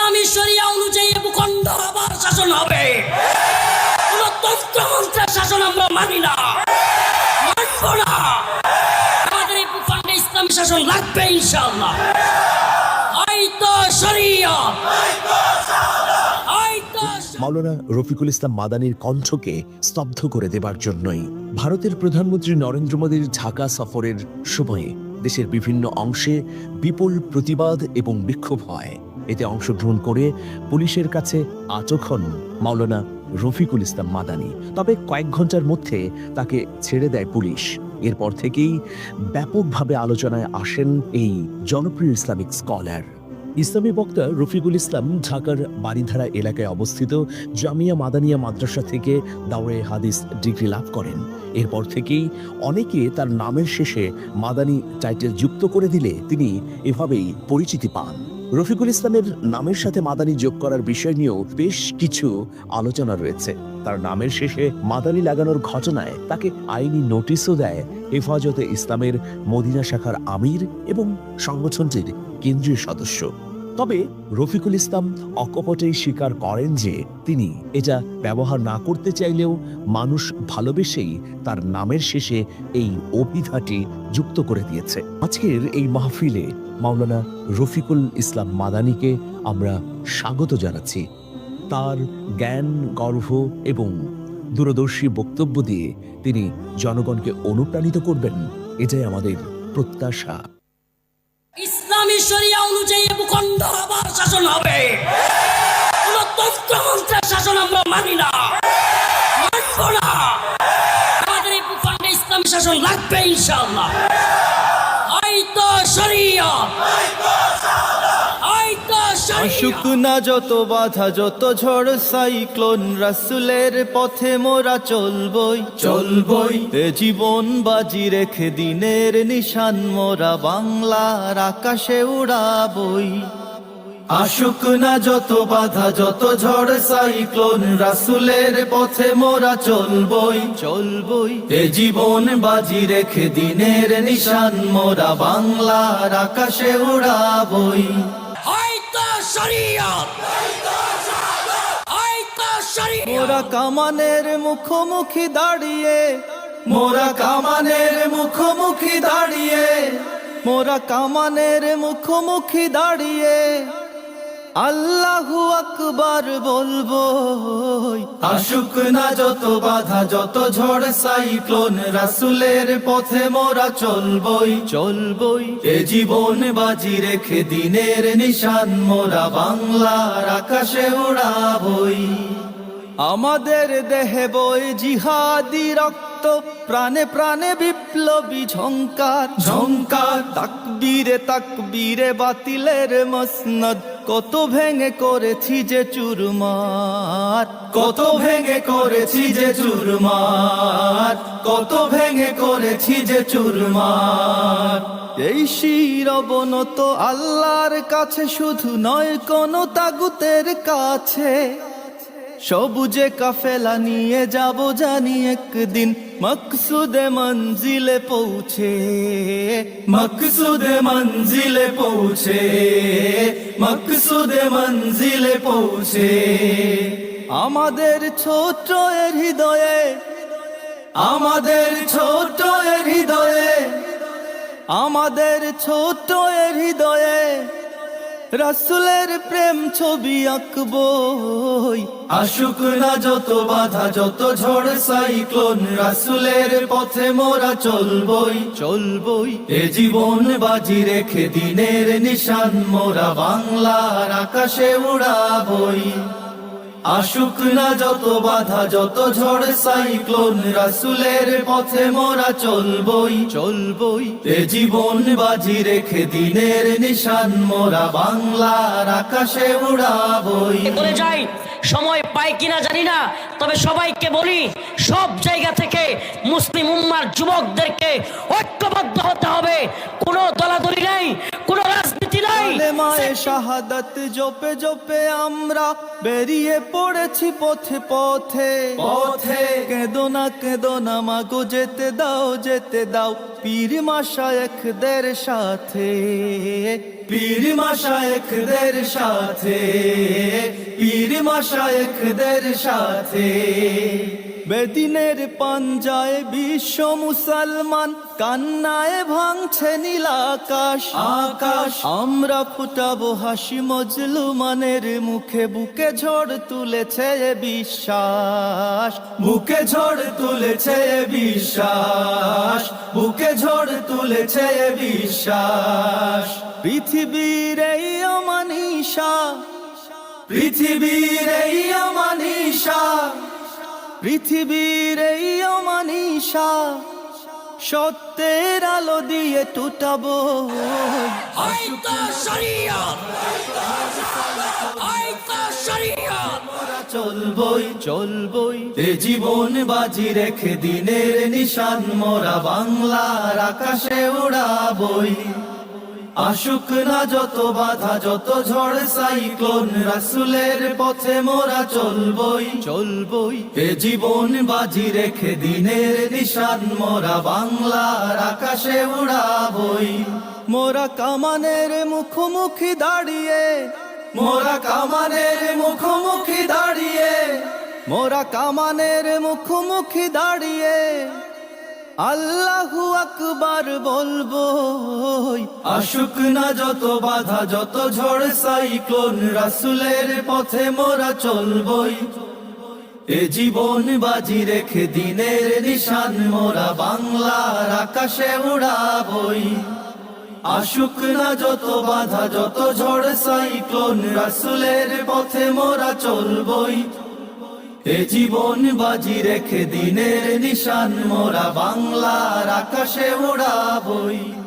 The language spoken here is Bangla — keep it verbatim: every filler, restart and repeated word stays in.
ইসলামী শরিয়া অনুযায়ী ভূখণ্ডের আবার শাসন হবে। কোন তন্ত্রমন্ত্রের শাসন আমরা মানি না, মানব না। আমাদের এই ভূখণ্ডে ইসলামী শাসন লাগবে ইনশাআল্লাহ। হয়তো শরিয়া মাওলানা রফিকুল ইসলাম মাদানির কণ্ঠকে স্তব্ধ করে দেবার জন্যই ভারতের প্রধানমন্ত্রী নরেন্দ্র মোদীর ঢাকা সফরের সময়ে দেশের বিভিন্ন অংশে বিপুল প্রতিবাদ এবং বিক্ষোভ হয়। এতে অংশগ্রহণ করে পুলিশের কাছে আটক হন মাওলানা রফিকুল ইসলাম মাদানি। তবে কয়েক ঘন্টার মধ্যে তাকে ছেড়ে দেয় পুলিশ। এরপর থেকেই ব্যাপকভাবে আলোচনায় আসেন এই জনপ্রিয় ইসলামিক স্কলার। ইসলামী বক্তা রফিকুল ইসলাম ঢাকার বারিধারা এলাকায় অবস্থিত জামিয়া মাদানিয়া মাদ্রাসা থেকে দাওরে হাদিস ডিগ্রি লাভ করেন। এরপর থেকেই অনেকে তার নামের শেষে মাদানি টাইটেল যুক্ত করে দিলে তিনি এভাবেই পরিচিতি পান। রফিকুল ইসলামের নামের সাথে মাদানি যোগ করার বিষয় নিয়েও বেশ কিছু আলোচনা রয়েছে। তার নামের শেষে মাদানি লাগানোর ঘটনায় তাকে আইনি নোটিশও দেয় হেফাজতে ইসলামের মদিনা শাখার আমির এবং সংগঠনটির কেন্দ্রীয় সদস্য। তবে রফিকুল ইসলাম অকপটেই স্বীকার করেন যে তিনি এটা ব্যবহার না করতে চাইলেও মানুষ ভালোবেসেই তার নামের শেষে এই অভিধাটি যুক্ত করে দিয়েছে। আজকের এই মাহফিলে মাওলানা রফিকুল ইসলাম মাদানিকে আমরা স্বাগত জানাচ্ছি। তার জ্ঞান, গর্ভ এবং দূরদর্শী বক্তব্য দিয়ে তিনি জনগণকে অনুপ্রাণিত করবেন, এটাই আমাদের প্রত্যাশা। ইসলামী শরিয়া অনুযায়ী ভূখণ্ডের আবার শাসন হবে। কোন তন্ত্রমন্ত্রের শাসন আমরা মানি না, মানব না। আমাদের এই ভূখণ্ডে ইসলামী শাসন লাগবে ইনশাআল্লাহ। হয়তো শরিয়া আসুক না যত বাধা, যত ঝড় সাইক্লোন, রাসূলের পথে মোরা চলবই চলবই। এ জীবন বাজি রেখে দিনের নিশান মোরা বাংলার আকাশে উড়াবই। আসুক না যত বাধা, যত ঝড় সাইক্লোন, রাসূলের পথে মোরা চলবই চলবই। এ জীবন বাজি রেখে দিনের নিশান মোরা বাংলার আকাশে উড়াবই। মোরা কামানের মুখোমুখি দাঁড়িয়ে, মোরা কামানের মুখোমুখি দাঁড়িয়ে, মোরা কামানের মুখোমুখি দাঁড়িয়ে আল্লাহু আকবার বলবো। আসুক না যত বাধা, যত ঝড় সাইক্লোন, রাসূলের পথে মোরা চলবই চলবই। এ জীবন বাজি রেখে দিনের নিশান মোরা বাংলার আকাশে উড়াবই। আমাদের দেহে বই জিহাদি রক্ত, প্রাণে প্রাণে বিপ্লবী ঝংকার ঝংকার। তাকবীরে তাকবীরে বাতিলের মসনদ, কত ভেঙে করেছি যে চুরমার, কত ভেঙে করেছি যে চুরমার, কত ভেঙে করেছি যে চুরমার। এই শির অবনত আল্লাহর কাছে, শুধু নয় কোন তাগুতের কাছে। সবুজে কাফেলা নিয়ে যাব জানি একদিন মকসুদে মঞ্জিলে পৌঁছে, মকসুদে মঞ্জিলে পৌঁছে, মকসুদে মঞ্জিলে পৌঁছে। আমাদের ছোট এর হৃদয়ে, আমাদের ছোট এর হৃদয়ে, আমাদের ছোট এর হৃদয়ে রাসূলের প্রেম ছবি আঁকবই। আসুক না যত বাধা, যত ঝড় সাইক্লোন, রাসূলের পথে মোরা চলবই চলবই। এ জীবন বাজি রেখে দিনের নিশান মোরা বাংলার আকাশে উড়াবই। আসুক না যত বাধা, যত ঝড় সাইক্লোন, রাসূলের পথে মোরা চলবই চলবই। এ জীবন বাজি রেখে দিনের নিশান মোরা বাংলার আকাশে উড়াবই। বলে যাই, সময় পাই কিনা জানি না, তবে সবাইকে বলি, সব জায়গা থেকে মুসলিম উম্মার যুবকদেরকে ঐক্যবদ্ধ হতে হবে। কোনো দলাদলি নাই, কোনো রাজনীতি নাই। কালেমায়ে শাহাদাত জপে জপে আমরা বেরিয়ে পড়েছি পথে পথে পথে কেঁদো না কেঁদো না মাগো যেতে দাও যেতে দাও পীর মাশায়েখদের সাথে পীর মাশায়েখদের সাথে পীর মাশায়েখদের সাথে বেদিনের পাঞ্জায় বিশ্ব মুসলমান কান্নায় ভাঙছে নীল আকাশ আকাশ আমরা ফুটাবো হাসি মজলুমানের মুখে বুকে ঝড় তুলেছে এ বিশ্বাস বুকে ঝড় তুলেছে এ বিশ্বাস বুকে ঝড় তুলেছে এ বিশ্বাস পৃথিবীর এই অমানিসা পৃথিবীর এই অমানিসা পৃথিবীর এই অমানিসা সত্যের আলো দিয়ে টুটাবো আইতা শরীয়ত আইতা শরীয়ত চলবই চলবই এ জীবন বাজি রেখে দিনের নিশান মোরা বাংলার আকাশে উড়াবই আশুক না যত বাধা যত ঝড় সাইক্লোন রাসূলের পথে মোরা চলবই চলবই এ জীবন বাজি রেখে দিনের নিশান মোরা বাংলার আকাশে উড়াবই মোরা কামানের মুখোমুখি দাঁড়িয়ে মোরা কামানের মুখোমুখি দাঁড়িয়ে মোরা কামানের মুখোমুখি দাঁড়িয়ে আল্লাহু আকবার বলবো আশুক না যত বাধা যত ঝড় সাইক্লোন রাসূলের পথে মোরা চলবই এ জীবন বাজি রেখে দিনের নিশান মোরা বাংলার আকাশে উড়াবই আশুক না যত বাধা যত ঝড় সাইক্লোন রাসূলের পথে মোরা চলবই এ জীবন বাজি রেখে দিনের নিশান মোরা বাংলার আকাশে উড়াবই।